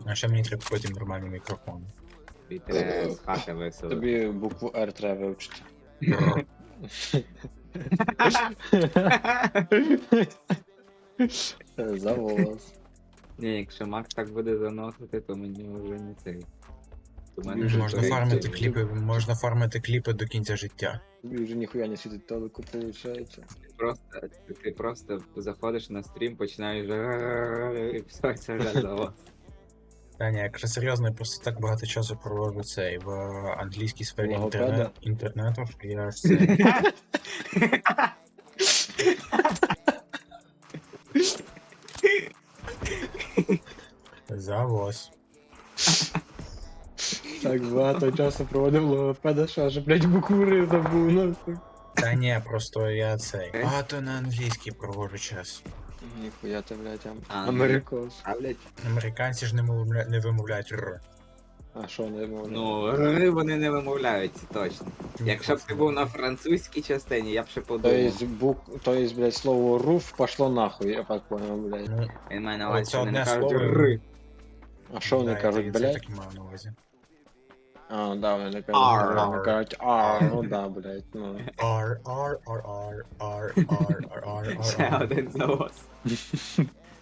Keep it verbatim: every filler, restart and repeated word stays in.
А ще мені треба купити нормальний мікрофон. Тобі треба з хати весело. Тобі букву Р треба вивчити. За волос. Ні, якщо Макс так буде заносити, то мені вже не цей. То в мене Вже Можна той- фармити той- кліпи, можна фармити кліпи до кінця життя. Тобі вже ніхуя не світить телеку, виходить. Просто, ти просто заходиш на стрім, починаєш і все, це вже за вас. Та ні, якщо серйозно, я просто так багато часу проводжу цей в англійській сфері Логопеда? інтернет, інтернету, що я це. Завоз. Так багато часу проводив логопеда, що аж, блядь, букву Р забув, ну. Та ні, просто я цей. Багато на англійській проводжу час. Ніхуя ти, блядь, ам- А, америкос. А, блядь, Американці ж не мовля... не вимовляють р. А що не можна? ну, ри вони не вимовляють, точно. Якщо б ти був на французькій частині, я б ще То подумав. есть, бук... то есть, блядь, слово руф пошло нахуй, я так понял, блядь. Ну, Він має на Оце увазі, що вони не одне кажуть слово. ри. А що вони да, кажуть, я це блядь? так і мав на увазі. А, да, вони Ар. кажуть, вони кажуть, а, ну да, блядь, ну. R, R, R, R, R, R, R, R, Ще R, R. один завоз.